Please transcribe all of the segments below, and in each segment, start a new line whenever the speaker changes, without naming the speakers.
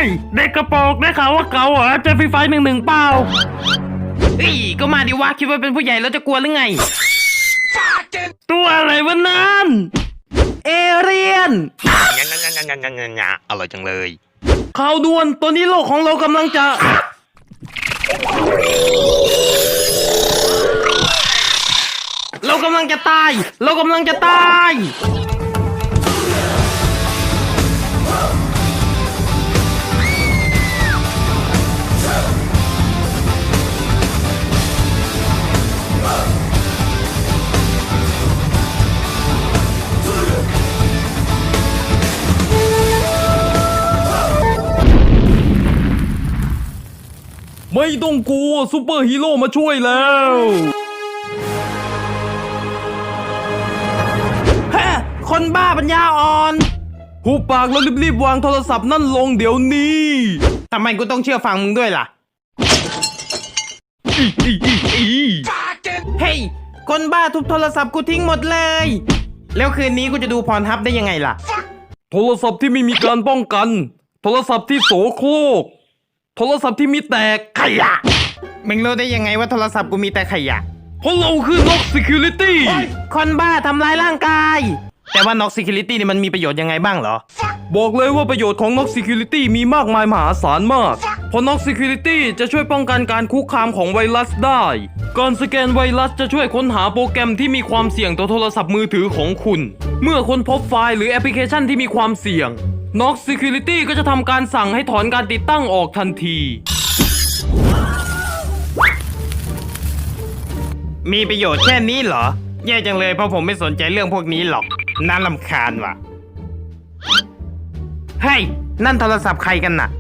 เด็กกระโปรงได้ข่าวว่าเก่าเหรอเจอฟรีไฟ11เปล่าก็มาดิวะคิดว่าเป็นผู้ใหญ่แล้วจะกลัวหรือไงตัวอะไรวะนั่นเอเรียน
อร่อยจังเลย
ข่าวด่วนตอนนี้โลกของเรากำลังจะตายเรากำลังจะตายไม่ต้องกลัวซูเปอร์ฮีโร่มาช่วยแล้วคนบ้าปัญญาอ่อนหูปากแล้วรีบๆวางโทรศัพท์นั่นลงเดี๋ยวนี้ทำไมกูต้องเชื่อฟังมึงด้วยล่ะเฮ้ยคนบ้าทุบโทรศัพท์กูทิ้งหมดเลยแล้วคืนนี้กูจะดูพรทับได้ยังไงล่ะโทรศัพท์ที่ไม่มีการป้องกันโทรศัพท์ที่โสโครกโทรศัพท์ที่มีแต่ขยะมึงรู้ได้ยังไงว่าโทรศัพท์กูมีแต่ขยะเพราะเราคือ Knox Security คนบ้าทำลายร่างกายแต่ว่า Knox Security นี่มันมีประโยชน์ยังไงบ้างเหรอบอกเลยว่าประโยชน์ของ Knox Security มีมากมายมหาศาลมากเพราะ Knox Security จะช่วยป้องกันการคุกคามของไวรัสได้การสแกนไวรัสจะช่วยค้นหาโปรแกรมที่มีความเสี่ยงต่อโทรศัพท์มือถือของคุณเมื่อค้นพบไฟล์หรือแอปพลิเคชันที่มีความเสี่ยง Knox Security ก็จะทำการสั่งให้ถอนการติดตั้งออกทันทีมีประโยชน์แค่นี้เหรอแย่จังเลยเพราะผมไม่สนใจเรื่องพวกนี้หรอกน่ารำคาญว่ะเฮ้ยนั่นโทรศัพท์ใครกันน่ะ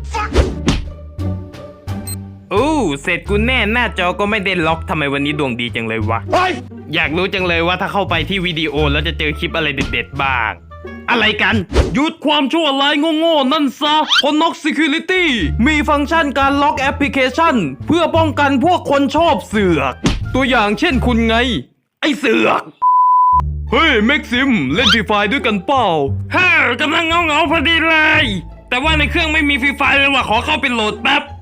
เสร็จกูแน่หน้าจอก็ไม่ได้ล็อกทำไมวันนี้ดวงดีจังเลยวะอยากรู้จังเลยว่าถ้าเข้าไปที่วิดีโอแล้วจะเจอคลิปอะไรเด็ดๆบ้างอะไรกันหยุดความชั่วร้ายโง่ๆนั่นซะเพราะ Knox Security มีฟังก์ชันการล็อกแอปพลิเคชันเพื่อป้องกันพวกคนชอบเสือกตัวอย่างเช่นคุณไงไอเสือกเฮ้ยแม็กซิมเล่นฟรีไฟด้วยกันเปล่ากำลังเงาพอดีเลยแต่ว่าในเครื่องไม่มีฟรีไฟเลยว่ะขอเข้าไปโหลดแป๊บ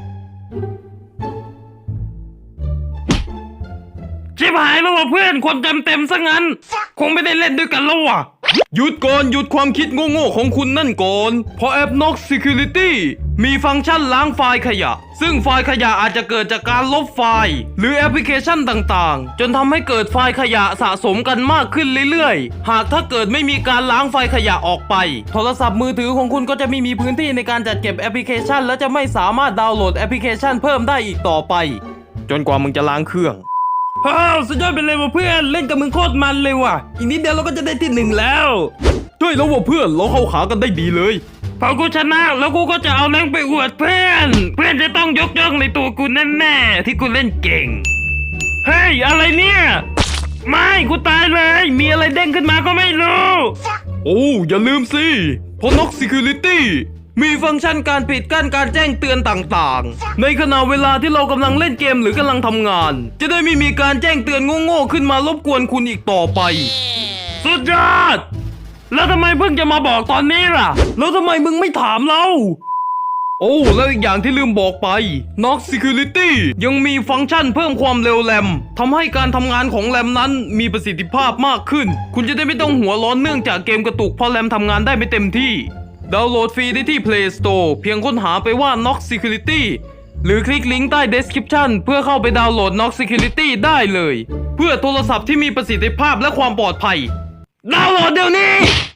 ชิบหายแล้วว่ะเพื่อนความจำเต็มซะงั้นคงไม่ได้เล่นด้วยกันแล้วว่ะหยุดก่อนหยุดความคิดโง่ๆของคุณนั่นก่อนเพราะแอป Knox Security มีฟังก์ชันล้างไฟล์ขยะซึ่งไฟล์ขยะอาจจะเกิดจากการลบไฟล์หรือแอปพลิเคชันต่างๆจนทำให้เกิดไฟล์ขยะสะสมกันมากขึ้นเรื่อยๆหากถ้าเกิดไม่มีการล้างไฟล์ขยะออกไปโทรศัพท์มือถือของคุณก็จะไม่มีพื้นที่ในการจัดเก็บแอปพลิเคชันและจะไม่สามารถดาวน์โหลดแอปพลิเคชันเพิ่มได้อีกต่อไปจนกว่ามึงจะล้างเครื่องสุดยอดไปเลยว่ะเพื่อนเล่นกับมึงโคตรมันเลยว่ะอีกนิดเดียวเราก็จะได้ที่1แล้วช่วยแล้วว่ะเพื่อนเราเข้าขากันได้ดีเลยพอกูชนะแล้วกูก็จะเอาแรงไปอวดเพื่อนจะต้องยกย่องในตัวกูแน่ๆที่กูเล่นเก่งเฮ้ยอะไรเนี่ยไม่กูตายเลยมีอะไรเด้งขึ้นมาก็ไม่รู้อย่าลืมสิเพราะ Knox Security มีฟังก์ชันการปิดกั้นการแจ้งเตือนต่างๆในขณะเวลาที่เรากำลังเล่นเกมหรือกำลังทำงานจะได้ไม่มีการแจ้งเตือนโง่ๆขึ้นมารบกวนคุณอีกต่อไปสุดยอดแล้วทำไมเพิ่งจะมาบอกตอนนี้ล่ะแล้วทำไมมึงไม่ถามเราแล้วอีกอย่างที่ลืมบอกไป Knox Security ยังมีฟังก์ชันเพิ่มความเร็วแรมทำให้การทำงานของแรมนั้นมีประสิทธิภาพมากขึ้นคุณจะได้ไม่ต้องหัวร้อนเนื่องจากเกมกระตุกเพราะแรมทำงานได้ไม่เต็มที่ดาวน์โหลดฟรีได้ที่ Play Store เพียงค้นหาไปว่า Knox Security หรือคลิกลิงก์ใต้ Description เพื่อเข้าไปดาวน์โหลด Knox Security ได้เลยเพื่อโทรศัพท์ที่มีประสิทธิภาพและความปลอดภัยดาวน์โหลดเดี๋ยวนี้